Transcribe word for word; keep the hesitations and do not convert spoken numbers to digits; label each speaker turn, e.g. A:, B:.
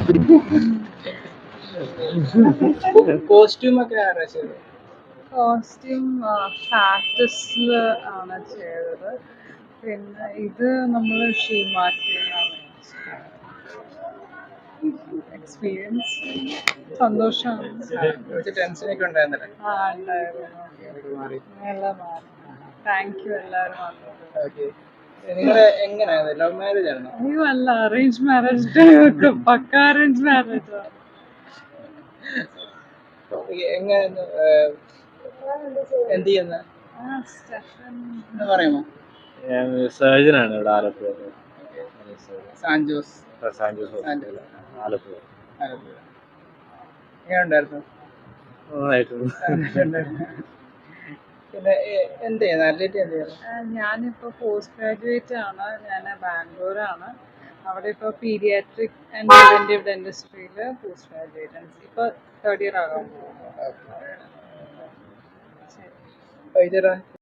A: Costume ഒക്കെ ആരാ ചെയ്തത്?
B: കോസ്റ്റ്യൂം ഫാക്ടസിൽ ആണ് ചെയ്തത്. പിന്നെ ഇത് നമ്മൾ ഷീമാറ്റിയാണ്. എക്സ്പീരിയൻസ് സന്തോഷമാണ്.
A: കുറച്ച് ടെൻഷനൊക്കെ ഉണ്ടായിരുന്നല്ലേ?
B: ആ ഉണ്ടായിരുന്നു.
A: മാറി.
B: എല്ലാം മാറി. താങ്ക് യു എല്ലാവരും വന്നത്.
A: ഓക്കെ. നിങ്ങളെ എങ്ങനെയായിരുന്നു? ലവ് മാരേജ് ആണോ?
B: അയ്യോ അല്ല, arrange marriage. Pucca arrange marriage.
A: എങ്ങനെയായിരുന്നു? എന്ത് ചെയ്യുന്ന പറയുമോ?
C: ഞാൻ സർജനാണ് ഇവിടെ ആലപ്പുഴ.
A: San Jose
C: San Jose Alappuzha.
A: എങ്ങനെ ഉണ്ടായിരുന്നു? പിന്നെ എന്ത് ചെയ്യുന്നത്? അത്ലറ്റ് എന്ത് ചെയ്യുന്നത്?
B: ഞാനിപ്പോൾ പോസ്റ്റ് ഗ്രാജുവേറ്റ് ആണ്. ഞാൻ ബാംഗ്ലൂരാണ്. അവിടെ ഇപ്പോൾ പീഡിയാട്രിക് ആൻഡ് പ്രിവെന്റീവ് ഡെന്റിസ്ട്രിയിൽ പോസ്റ്റ് ഗ്രാജുവേറ്റ് ആണ്. ഇപ്പോൾ തേർഡ് ഇയർ ആകാൻ പോകുന്നു.
A: വൈദ്യരാ